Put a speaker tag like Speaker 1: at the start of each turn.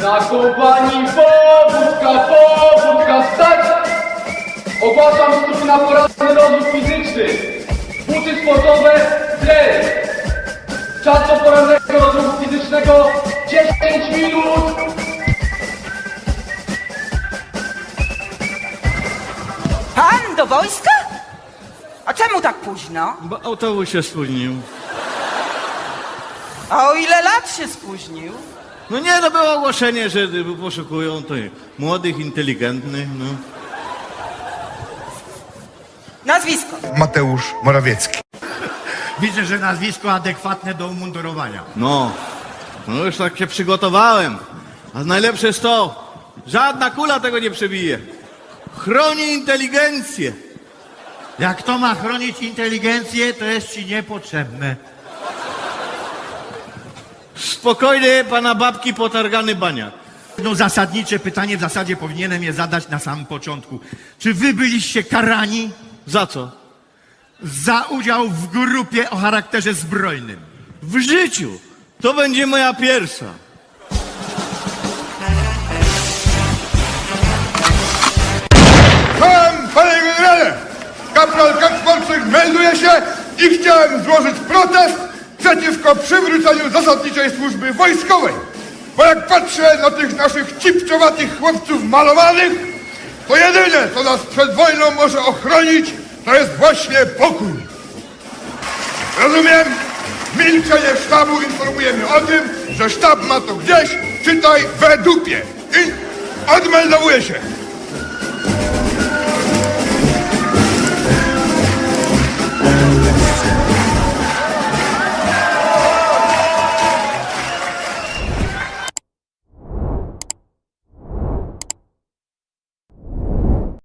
Speaker 1: Na kompanii powódka stać! Ogłaszam stój na poranny rozruch fizyczny. Buty sportowe, dres. Czas do porannego rozruchu fizycznego 10 minut.
Speaker 2: Pan do wojska? A czemu tak późno?
Speaker 3: Bo autobus się spóźnił.
Speaker 2: A o ile lat się spóźnił?
Speaker 3: No nie, to było ogłoszenie, że poszukują to młodych, inteligentnych, no.
Speaker 2: Nazwisko.
Speaker 4: Mateusz Morawiecki.
Speaker 5: Widzę, że nazwisko adekwatne do umundurowania.
Speaker 3: No już tak się przygotowałem. A najlepsze jest to, żadna kula tego nie przebije. Chroni inteligencję.
Speaker 5: Jak to ma chronić inteligencję, to jest ci niepotrzebne.
Speaker 3: Spokojnie, pana babki potargany baniak.
Speaker 5: No zasadnicze pytanie w zasadzie powinienem je zadać na samym początku. Czy wy byliście karani
Speaker 3: Za co?
Speaker 5: za udział w grupie o charakterze zbrojnym?
Speaker 3: W życiu. To będzie moja pierwsza.
Speaker 4: Panie generale! Kapral Kaczmarczyk melduje się i chciałem złożyć protest przeciwko przywróceniu zasadniczej służby wojskowej. Bo jak patrzę na tych naszych cipczowatych chłopców malowanych, to jedyne, co nas przed wojną może ochronić, to jest właśnie pokój. Rozumiem? Milczenie sztabu informujemy o tym, że sztab ma to gdzieś, czytaj, we dupie. I odmeldowuje się.